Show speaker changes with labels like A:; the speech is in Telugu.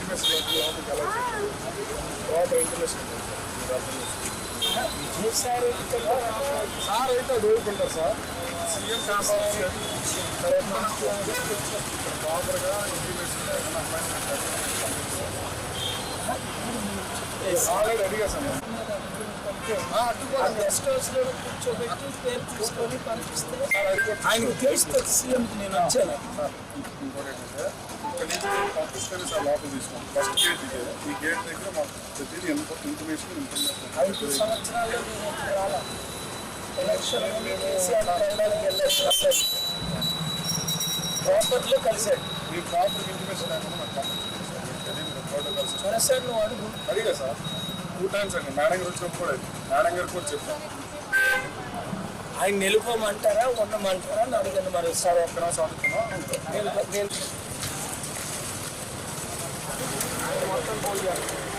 A: ఇంటిమేషన్ తర్వాత ఇంటిమేషన్
B: సార్
A: అయితే అది ఊరుకుంటారు సార్. సీఎం ప్రాపర్గా ఇంటిమేషన్ ఆల్రెడీ అడిగా సార్.
B: గెస్ట్ హౌస్ లో కూర్చోబెట్టి పేరు తీసుకొని పంపిస్తే ఆయనకు తెలుస్తుంది సీఎంకి నేను వచ్చాను.
A: ఇంకోటి ఏంటంటే ఇక్కడ నుంచి పంపిస్తేనే సార్ లోపల తీసుకోండి. ఫస్ట్ గేట్ ఇదే. ఈ గేట్ దగ్గర మాకు ప్రతిదీ ఇన్ఫర్మేషన్
B: 5 సంవత్సరాల్లో నేను ఇక్కడ రాలా. ఎలక్షన్ కేసీఆర్ వెళ్ళడానికి వెళ్ళాను. ప్రాపర్లో కలిశాడు.
A: మీ ప్రాపర్ ఇంటిమేషన్ లేకుండా నాకు
B: సరే సార్ నువ్వు అడుగు.
A: అడిగా సార్ 2 times అండి. మేడం గారు వచ్చినప్పుడు కూడా మేడం గారు కూడా చెప్పాను.
B: ఆయన నిలుపమంటారా ఉండమంటారా అని అడిగాను. మరి
A: సార్ ఒక్కరా చదువుతున్నాం
B: నేను
A: మొత్తం పోల్ చేయాలి.